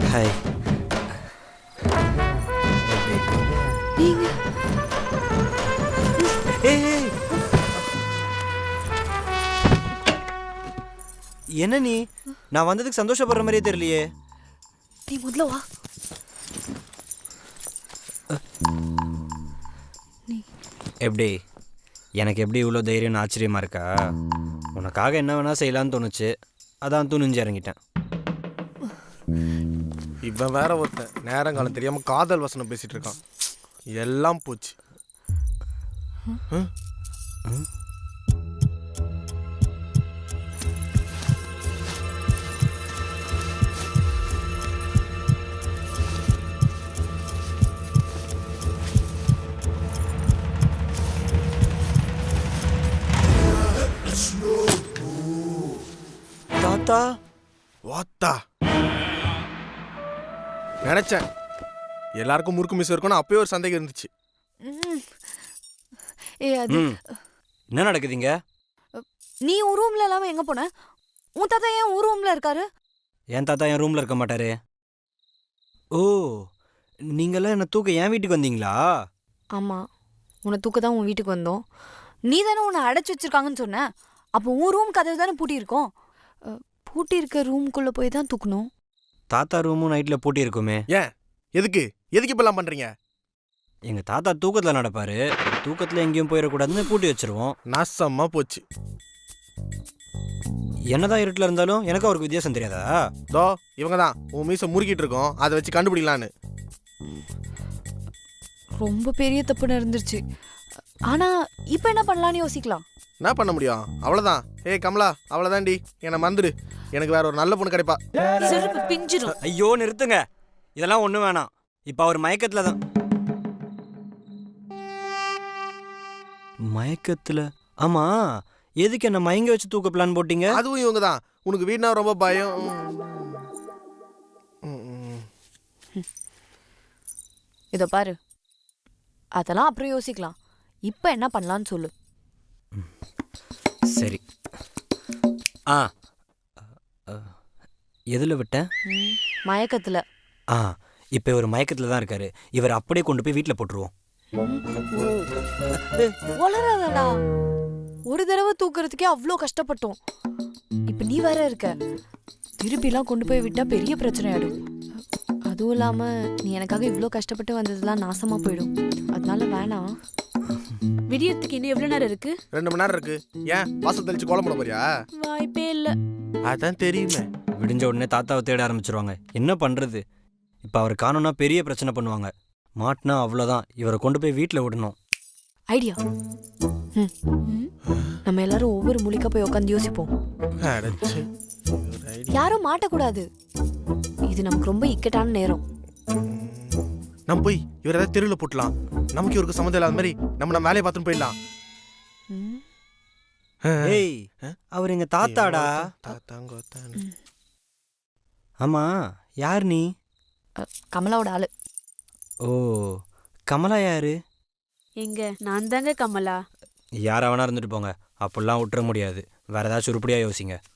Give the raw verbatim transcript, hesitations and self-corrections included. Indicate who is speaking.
Speaker 1: Hi.
Speaker 2: நீங்க
Speaker 1: ஏய், ஏய். என்ன நீ? நான் வந்ததுக்கு சந்தோஷப்படுற மாதிரியே தெரியலையே.
Speaker 2: நீ முதல்ல வா.
Speaker 1: எப்படி எனக்கு எப்படி இவ்வளோ தைரியம்னு ஆச்சரியமா இருக்கா? உனக்காக என்ன வேணா செய்யலான்னு தோணுச்சு, அதான் துணிஞ்சு இறங்கிட்டேன்.
Speaker 3: இவன் வேற ஒருத்தன் நேரங்காலம் தெரியாம காதல் வசனம் பேசிட்டு இருக்கான். எல்லாம் போச்சு.
Speaker 1: தாத்தா,
Speaker 3: வாத்தா நினைச்சேன் எல்லாருக்கும் முறுக்கு மிஸ் இருக்கும்னு அப்பயே ஒரு சந்தேகம் இருந்துச்சு.
Speaker 2: ம். ஏ அது
Speaker 1: ம் என்ன நடக்குதுங்க?
Speaker 2: நீ உன் ரூம்ல இல்லாம எங்க போன? உன் தாத்தா ஏன் உன் ரூம்ல இருக்காரு?
Speaker 1: என் தாத்தா என் ரூமில் இருக்க மாட்டாரு. ஓ, நீங்களாம் என்னை தூக்க என் வீட்டுக்கு வந்தீங்களா?
Speaker 2: ஆமா, உன்னை தூக்க தான் உன் வீட்டுக்கு வந்தோம். நீ தானே உன்னை அடைச்சி வச்சிருக்காங்கன்னு சொன்ன. அப்போ உன் ரூம் கதவு தானே பூட்டி இருக்கோம். அஹ், பூட்டி இருக்க ரூம்குள்ள போய் தான் தூக்கணும்.
Speaker 1: தாத்தா ரூமும் நைட்டில் பூட்டி இருக்குமே.
Speaker 3: ஏன் எதுக்கு எதுக்கு இப்பெல்லாம் பண்றீங்க?
Speaker 1: எங்கள் தாத்தா தூக்கத்தில் நடப்பார், தூக்கத்தில் எங்கேயும் போயிடக்கூடாதுன்னு பூட்டி வச்சிருவோம்.
Speaker 3: நாசமா போச்சு.
Speaker 1: என்னதான் இருட்டில் இருந்தாலும் எனக்கு அவருக்கு வித்தியாசம் தெரியாதா?
Speaker 3: தோ இவங்க தான் உன் மீசை முறுக்கிட்டு இருக்கோம், அதை வச்சு கண்டுபிடிக்கலான்னு.
Speaker 2: ரொம்ப பெரிய தப்பு நடந்துருச்சு. ஆனா இப்ப என்ன பண்ணலாம்னு யோசிக்கலாம்.
Speaker 3: என்ன பண்ண முடியும்? அவ்வளோதான். ஏய் கமலா, அவ்வளோதான்டி, என்னை மறந்துடு. எனக்கு வேற ஒரு நல்ல பொண்ணு கிடைப்பா.
Speaker 2: செருப்பு பிஞ்சிரும்.
Speaker 1: ஐயோ நிறுத்துங்க, இதெல்லாம் ஒன்றும் வேணாம். இப்போ அவர் மயக்கத்தில் தான். மயக்கத்தில்? ஆமாம், எதுக்கு என்ன மயங்க வச்சு தூக்க பிளான் போட்டீங்க?
Speaker 3: அதுவும் இவங்க தான். உனக்கு வீடுனா ரொம்ப பயம். ம், ம்.
Speaker 2: இதோ பாரு, அதெல்லாம் அப்புறம் யோசிக்கலாம். இப்ப என்ன பண்ணலாம்னு சொல்லு.
Speaker 1: சரி. ஆ, எதில் விட்டேன்?
Speaker 2: ம், மயக்கத்துல.
Speaker 1: ஆ, இப்போ இவர் மயக்கத்தில் தான் இருக்காரு. இவர் அப்படியே கொண்டு போய் வீட்டில் போட்டுருவோம்.
Speaker 2: வளராதடா. ஒரு தடவை தூக்குறதுக்கே அவ்வளோ கஷ்டப்பட்டோம். இப்ப நீ வேற இருக்க. திருப்பிலாம் கொண்டு போய் விட்டா பெரிய பிரச்சனை ஆயிடும். அதுவும் இல்லாம நீ எனக்காக இவ்வளோ கஷ்டப்பட்டு வந்ததெல்லாம் நாசமா போயிடும். அதனால வேணாம்.
Speaker 4: விடியறதுக்கு இன்னும் எவ்வளவு நேரம் இருக்கு?
Speaker 3: ரெண்டு மணி நேரம் இருக்கு. ஏன் வாசல் தெளிச்சு கோலம் போட போறியா?
Speaker 4: வாய்ப்பே இல்ல.
Speaker 3: அதான் தெரியுமே.
Speaker 1: விடிஞ்ச உடனே தாத்தாவை தேட ஆரம்பிச்சிருவாங்க. என்ன பண்ணுறது? இப்போ அவர் காணோன்னா பெரிய பிரச்சனை பண்ணுவாங்க. மாட்டினா அவ்வளோதான். இவரை கொண்டு போய் வீட்டில் விடணும்.
Speaker 2: ஐடியா. ம். நம்ம எல்லாரும் ஒவ்வொரு மூலிக்கா போய் உட்காந்து யோசிப்போம்.
Speaker 3: அடச்சே.
Speaker 2: யாரும் மாட்டக்கூடாது. இது நமக்கு ரொம்ப இக்கட்டான நேரம்.
Speaker 3: நம்ம போய் இவர் ஏதாவது தெருவில் போட்டலாம். நமக்கு இவருக்கு சம்மந்தம் இல்லாத மாதிரி நம்ம நம்ம வேலையை பார்த்துன்னு போயிடலாம்.
Speaker 2: ம்.
Speaker 1: ஏய், அவர் எங்க தாத்தாடா.
Speaker 3: தாத்தாங்க
Speaker 1: ஆமா, யார் நீ?
Speaker 2: அ, கமலாவோட ஆளு.
Speaker 1: ஓ, கமலா யாரு?
Speaker 4: எங்க நான் தாங்க கமலா.
Speaker 1: யாரா வேணா இருந்துட்டு போங்க. அப்படிலாம் விட்டுற முடியாது. வேற ஏதாச்சும் உருப்படியா யோசிங்க.